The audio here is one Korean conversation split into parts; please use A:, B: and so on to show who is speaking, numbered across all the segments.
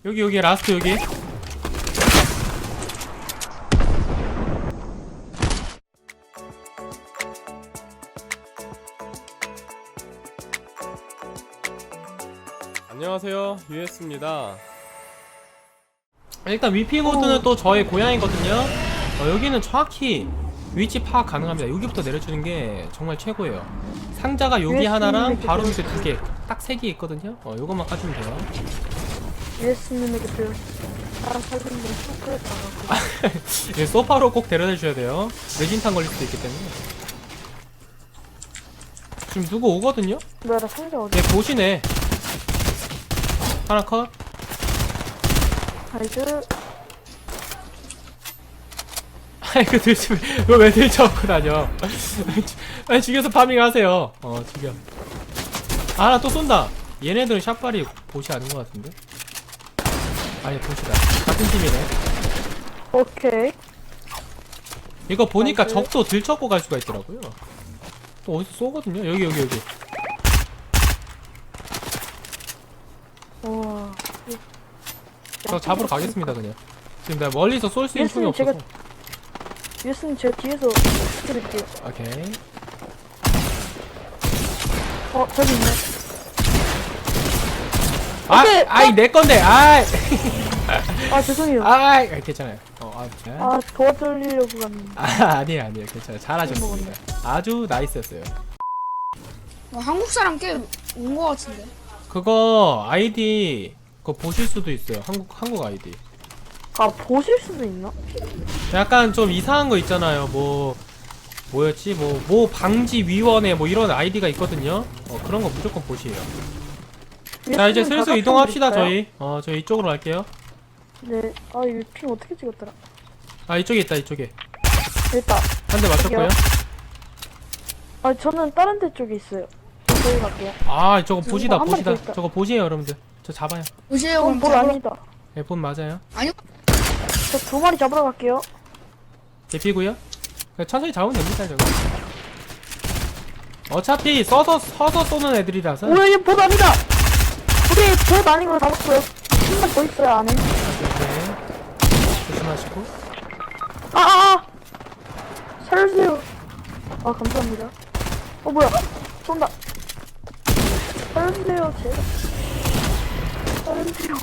A: 여기 라스트 여기. 안녕하세요, US입니다. 일단 위핑우드는 또 저의 고향이거든요. 여기는 정확히 위치 파악 가능합니다. 여기부터 내려주는 게 정말 최고예요. 상자가 여기 하나랑 바로 밑에 두 개, 딱 세 개 있거든요. 요것만 까주면 돼요.
B: 예수님에게 배웠어. 살림은 소프에 가고.
A: 소파로 꼭 데려다 주셔야 돼요. 뇌진탕 걸릴 수도 있기 때문에. 지금 누구 오거든요?
B: 뭐야, 나 상자 어디?
A: 얘 보시네. 하나 컷.
B: 나이스.
A: 아이 그 들지 왜 들쳐갖고 다녀. 아니 죽여서 파밍하세요. 죽여. 아, 하나 또 쏜다. 얘네들은 샷발이 보시 아닌 것 같은데? 아니 보시다. 같은 팀이네.
B: 오케이.
A: 이거 보니까
B: 나이스.
A: 적도 들쳐고 갈 수가 있더라고요. 또 어디서 쏘거든요? 여기.
B: 와.
A: 저 잡으러 가겠습니다 그냥. 지금 내가 멀리서 쏠 수 있는 총이
B: 예수님,
A: 없어서.
B: 예수님 제가 뒤에서 드릴게요.
A: 오케이.
B: 저기 있네.
A: 아이 내 건데. 아이.
B: 죄송해요.
A: 아이 괜찮아요. 자.
B: 도와드리려고 갔는데.
A: 아니에요 괜찮아요. 잘하셨습니다. 아주 나이스였어요.
C: 한국 사람 꽤 온 거 같은데.
A: 그거 아이디 그거 보실 수도 있어요. 한국 아이디.
B: 보실 수도 있나?
A: 약간 좀 이상한 거 있잖아요. 뭐였지? 뭐 방지위원회 뭐 이런 아이디가 있거든요. 그런 거 무조건 보시에요. 자, 이제 슬슬 이동합시다. 저희 이쪽으로 갈게요.
B: 네. 이거 핑 어떻게 찍었더라?
A: 이쪽에 있다. 이쪽에
B: 됐다.
A: 한 대 맞췄고요.
B: 저는 다른 데 쪽에 있어요. 저기 갈게요.
A: 저거 보시다.
B: 한 마리 더 있다.
A: 저거 보시에요 여러분들. 저 잡아요.
C: 보세요. 그럼
B: 볼 아니다.
A: 네, 본 맞아요.
C: 아니요.
B: 저 2마리 잡으러 갈게요.
A: 대피고요. 천천히 잡으면 됩니다. 저거. 어차피 서서 쏘는 애들이라서.
B: 뭐야, 얘 봇 아니다! 우리 봇 아닌 걸 잡았어요. 한 마리 더 있어요, 안에.
A: 네. 조심하시고.
B: 살려주세요. 감사합니다. 뭐야. 쏜다. 살려주세요, 제발. 살려주세요.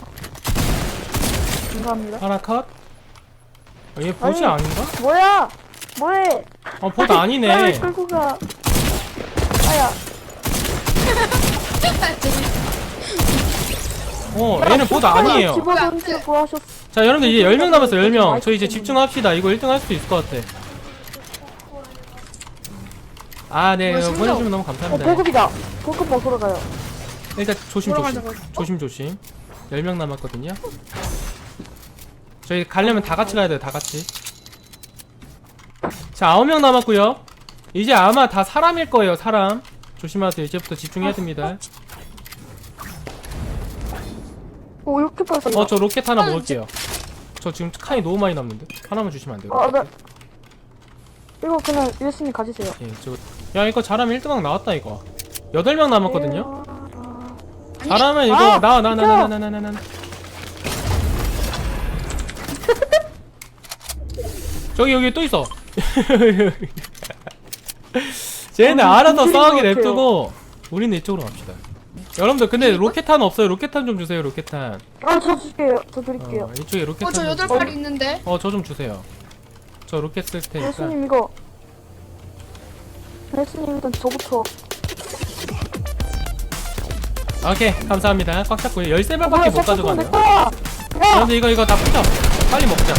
B: 감사합니다.
A: 하나 컷. 얘 보시
B: 아니.
A: 아닌가?
B: 뭐야! 뭐해!
A: 보드 아니네.
B: 나를 끌고 가. 아야.
A: 얘는 보드 아니에요.
B: 집어던지고 하셨어.
A: 자, 여러분들 이제 10명 남았어요. 10명. 저희 이제 집중합시다. 이거 1등 할 수도 있을 것 같아. 네.
C: 뭐야, 생각.
A: 보내주면 너무 감사합니다.
B: 보급이다. 보급 먹으러 가요.
A: 일단 조심.
C: 돌아가자고.
A: 조심. 10명 남았거든요. 저희 가려면 다 같이 가야 돼요. 다 같이. 자, 9명 남았고요. 이제 아마 다 사람일 거예요. 사람. 조심하세요. 이제부터 집중해야 됩니다.
B: 이렇게 빨리.
A: 저 로켓 하나 먹을게요. 저 지금 칸이 너무 많이 남는데? 하나만 주시면 안 돼요?
B: 네. 이거 그냥 예수님 가지세요.
A: 야, 이거 잘하면 1등왕 나왔다, 이거. 8명 남았거든요?
B: 네.
A: 잘하면 이거, 나. 여기 또 있어. 쟤네 알아서 싸우게 냅두고, 우리는 이쪽으로 갑시다. 여러분들, 근데 로켓탄 없어요? 로켓탄 좀 주세요, 로켓탄.
B: 저 줄게요. 저 드릴게요.
A: 이쪽에 로켓탄.
C: 저
A: 좀
C: 8발 있는데.
A: 저 좀 주세요. 저 로켓 쓸 테니까.
B: 예수님 이거. 예수님 일단 저부터.
A: 오케이, 감사합니다. 꽉 잡고요. 13발밖에 못 가져가네요.
B: 야!
A: 여러분들, 이거 다 부셔. 빨리 먹자.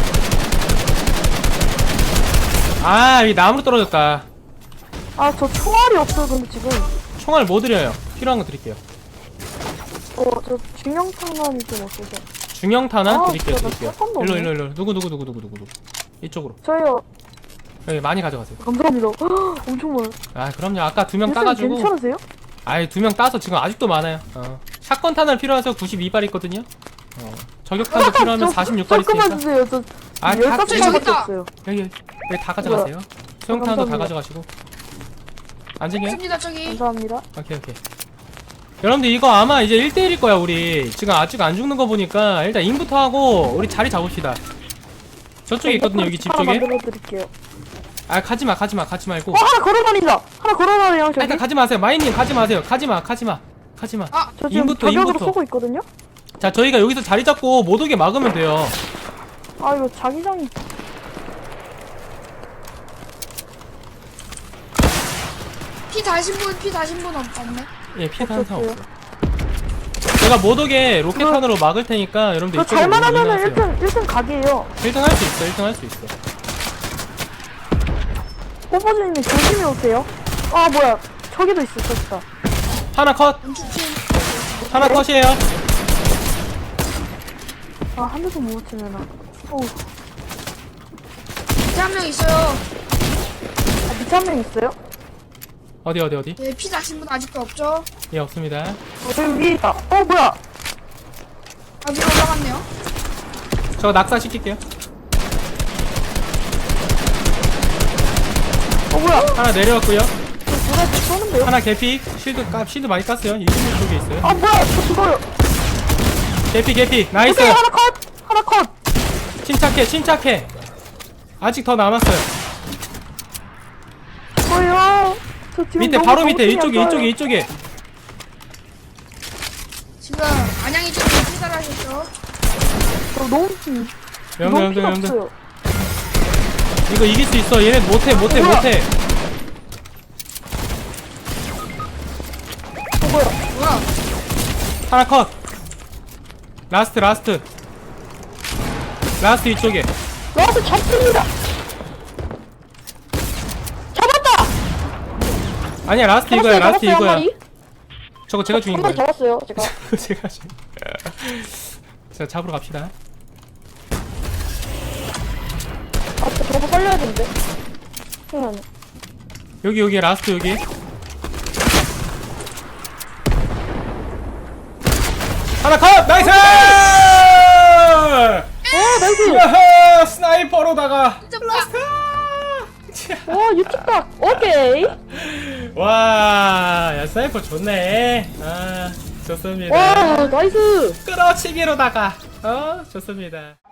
A: 이 나무로 떨어졌다.
B: 저 총알이 없어요. 근데 지금.
A: 총알 뭐 드려요? 필요한 거 드릴게요.
B: 저 중형탄환이 좀 없어서.
A: 중형탄환 드릴게요.
B: 진짜 나 샷건도 없네.
A: 일로. 누구. 이쪽으로.
B: 저요.
A: 여기 많이 가져가세요.
B: 감사합니다. 엄청 많아요.
A: 그럼요. 아까 2명
B: 예수님
A: 따가지고.
B: 괜찮으세요?
A: 2명 따서 지금 아직도 많아요. 샷건 탄환 필요해서 92발 있거든요. 저격탄도 필요하면 46발
B: 조금만
A: 있으니까.
B: 주세요. 저
A: 다
B: 15개밖에
C: 있다.
B: 없어요.
A: 여기 다 가져가세요. 소형탄도 다
B: 감사합니다.
A: 가져가시고. 안전해요?
C: 있습니다 저기.
B: 감사합니다.
A: 오케이. 여러분들 이거 아마 이제 1대1일 거야 우리. 지금 아직 안 죽는 거 보니까 일단 인부터 하고 우리 자리 잡읍시다. 저쪽에 있거든요 여기 집
B: 하나
A: 쪽에.
B: 만들어 드릴게요.
A: 아 가지마 가지 말고.
B: 하나 걸어다닌다. 하나 걸어다녀요
A: 아,
B: 저기.
A: 일단 가지 마세요. 마이님 가지 마세요. 가지마.
C: 아,
B: 저 지금
A: 인부터,
B: 저격으로
A: 인부터.
B: 쏘고 있거든요.
A: 자 저희가 여기서 자리 잡고 못 오게 막으면 돼요.
B: 아 이거 자기장이.
C: 피 다신 분 없네.
A: 예 피해는 항상
B: 없었어요.
A: 없어. 제가 못 오게 로켓탄으로 막을 테니까 여러분들
B: 저
A: 이쪽으로
B: 잘만 하면은
A: 올라가세요.
B: 1등 각이에요.
A: 1등 할 수 있어. 1등 할 수 있어.
B: 뽀뽀즈님이 조심히 오세요. 아 뭐야 저기도 있어 저기다.
A: 하나 컷.
C: 왼쪽팀.
A: 하나 컷이에요.
B: 아 한 대도 못 치면은. 어우.
C: 밑에 한 명 있어요.
B: 아, 밑에 한 명 있어요?
A: 어디
C: 예, 피 다신 분 아직도 없죠?
A: 예 없습니다.
B: 저기 위에 있다. 뭐야?
C: 아, 위로 올라갔네요.
A: 저 낙사 시킬게요.
B: 뭐야?
A: 하나 내려왔고요.
B: 저 누가 쏘는데요?
A: 하나 개피. 실드 많이 깠어요. 이승민 쪽에 있어요.
B: 아 뭐야? 저 죽어요.
A: 개피 나이스.
B: 오케이 하나 컷. 하나 컷.
A: 침착해. 아직 더 남았어요.
B: 뭐요? 저 지금
A: 밑에
B: 너무
A: 바로 밑에
B: 정신이 안 좋아요.
A: 이쪽에.
C: 지금 안양이 쪽에 피살하셨죠?
B: 저 너무 너무 피가
A: 여러분들
B: 없어요.
A: 이거 이길 수 있어. 얘네 못해.
B: 뭐야? 뭐야?
C: 뭐야?
A: 하나 컷. 라스트 이쪽에.
B: 나한테 잡습니다. 잡았다.
A: 아니야 라스트 이거야. 라스트
B: 잡았어요, 한
A: 이거야.
B: 마리?
A: 저거 제가 죽인
B: 한 마리
A: 거예요.
B: 잡았어요 제가.
A: 제가 죽인. 자 잡으러 갑시다.
B: 아 저거 살려야 되는데. 잠깐만요.
A: 여기 라스트 여기. 하나 컷. 나이스.
B: 나이스.
A: 야하, 스나이퍼로다가. 라스트.
B: 와 유튜브. 오케이.
A: 와, 야 스나이퍼 좋네. 아, 좋습니다.
B: 와 나이스.
A: 끌어치기로다가. 좋습니다.